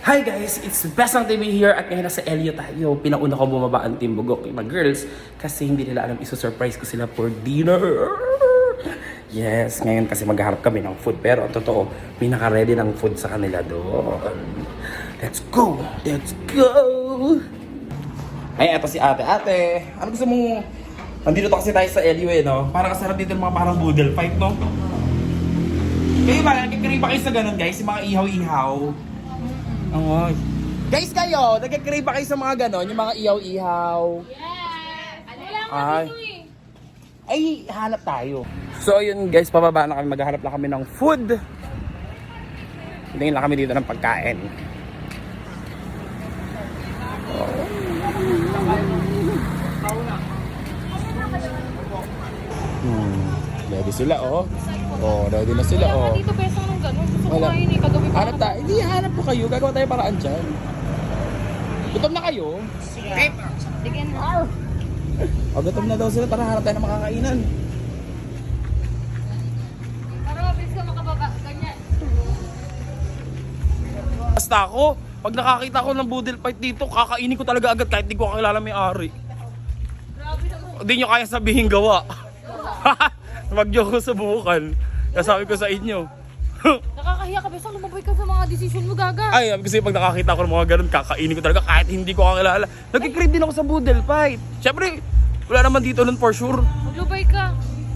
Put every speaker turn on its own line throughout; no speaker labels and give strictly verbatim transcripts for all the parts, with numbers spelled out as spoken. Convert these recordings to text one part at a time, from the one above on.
Hi guys, it's Besang T V here at ngayon nasa Elio tayo. Pinauna ko bumaba ang Team Bugok, yung mga girls, kasi hindi nila alam iso-surprise ko sila for dinner. Yes, ngayon kasi maghaharap kami ng food, pero ang totoo, pinaka-ready ng food sa kanila doon. Let's go! Let's go! Ay, eto si ate. Ate, ano gusto mong... Nandito to kasi tayo sa Elio eh, no? Parang kasarap dito yung mga parang boodle fight, no? Kayo ba, nagkikrave ba kayo sa ganun, guys? Yung mga ihaw-ihaw? Oo. Guys, kayo, nagkikrave ba kayo sa mga ganun? Yung mga ihaw-ihaw?
Yes! Wala nga
Ay.
dito eh.
Ay, hanap tayo. So, yun guys, pababa na kami. Maghahanap lang kami ng food. Tingin lang kami dito ng pagkain. Hmm, ready sila, oh. Oh, ready na sila,
Wala
oh.
nga dito pesang ng gano'n. Gusto ko
Wala.
kain eh. Kagabi pa
Hanap tayo. Hindi, hanap po kayo. Gagawa tayo paraan dyan. Gutom na kayo?
Sige. Bigyan mo.
O, gutom na daw sila. Tara, hanap tayo ng makakainan.
Para mabilis ka makababa. Ganyan.
Basta ako, pag nakakita ko ng boodle fight dito, kakainin ko talaga agad kahit di ko kakilala may ari.
Grabe naman.
Hindi nyo kaya sabihin gawa. Mag-joke ko subukan. Kasabi ko sa inyo.
Nakakahiya ka. Besang lumabay ka sa mga decision mo, gaga.
Ay, kasi pag nakakita ko ng mga ganun, kakainin ko talaga kahit hindi ko kakilala. Nagkikrave din ako sa boodle fight. Siyempre, wala naman dito nun for sure.
Maglubay ka.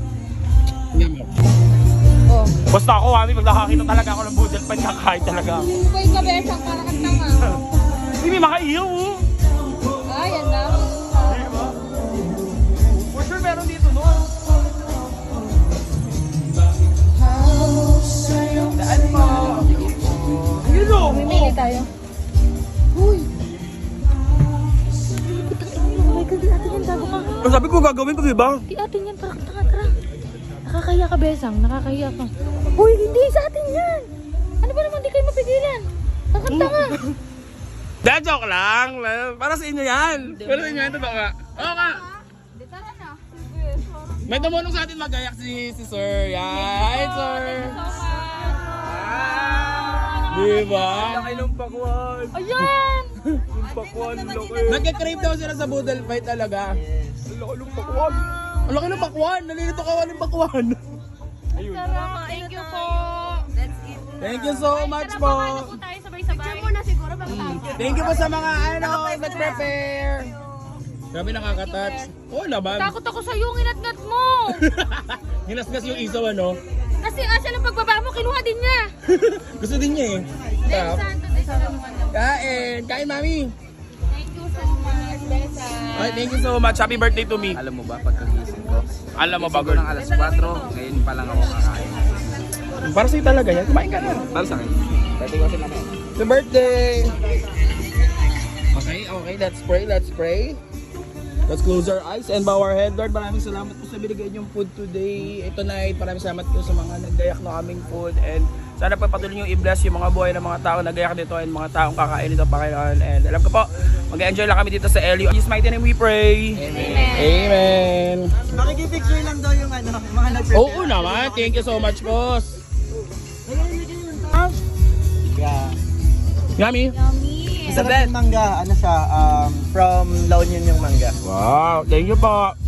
Oh. Basta ako, mami, pag nakakita talaga ako ng boodle fight, kakain talaga ako.
Lumabay ka, Besang. Para kang tanga.
Hindi makaiyaw, oh.
Ay, yan na.
Diba? For sure, meron dito nun. Daan mo. Yun o.
Mimili tayo. Uy. Lumabay ka. Di atin yan. Tago ka.
Ang sabi ko gagawin ko, diba?
Di atin yan. Tara, tara, tara. Nakakahiya ka, Besang. Nakakahiya ka. Uy, hindi sa atin yan. Ano ba naman di kayo mapigilan? Kakanta-nga.
Dahil joke lang. Para sa inyo yan. Para sa inyo yan, totoo nga. Oo nga.
Di, tara na.
May tumulong sa atin magayak si, si Sir. Yan. Hi, Sir. Diba? Laki ng pakwan.
Ayan!
Yung pakwan, laki. Nagka-crave daw sila sa boodle fight talaga. Ang laki ng pakwan. Ang laki ng pakwan. Nalilito ka ng pakwan. Ayun.
Sarap. Thank you po. Let's eat.
Thank you so much po.
Ano po tayo sabay-sabay? Picture mo na siguro bang tawag.
Thank you po sa mga ano, nag-prepare. Grabe nakaka-touch. Oo naman.
Takot ako sa yung inat-ngat mo.
Hinasgas yung isaw ano.
Kasi asya ng pagbaba mo, kinuha din niya.
Gusto din niya eh.
Then,
Tap.
santo, din sa naman.
Kain. Kain, mami.
Thank you so much, Besa.
Ay, thank you so much. Happy birthday to me.
Alam mo ba, pagkagising ko,
Alam mo ba,
siguro
girl?
ng alas kwatro, ngayon pa lang ako kakain.
Para sa'yo talaga yan. Kumain ka na.
Para sa akin, birthday ko kasi namin.
Happy birthday! Okay, okay. Let's pray. Let's pray. Let's close our eyes and bow our head. Lord, maraming salamat po sa binigay niyong food today, tonight. Maraming salamat po sa mga nagdayak ng aming food. And sana pa patuloy niyo i-bless yung mga buhay ng mga tao nagdayak dito and mga taong kakain dito, Panginoon. And alam ko po, mag-enjoy lang kami dito sa Elio. In Jesus' mighty name we pray.
Amen.
Amen.
Makikipicture lang daw yung ano, mga nag-prepare.
Oo naman. Thank you so much, boss.
Yeah.
Yummy.
Yummy.
Masarap yung mangga, ano siya, um, from La Union yung mangga.
Wow. Thank you po.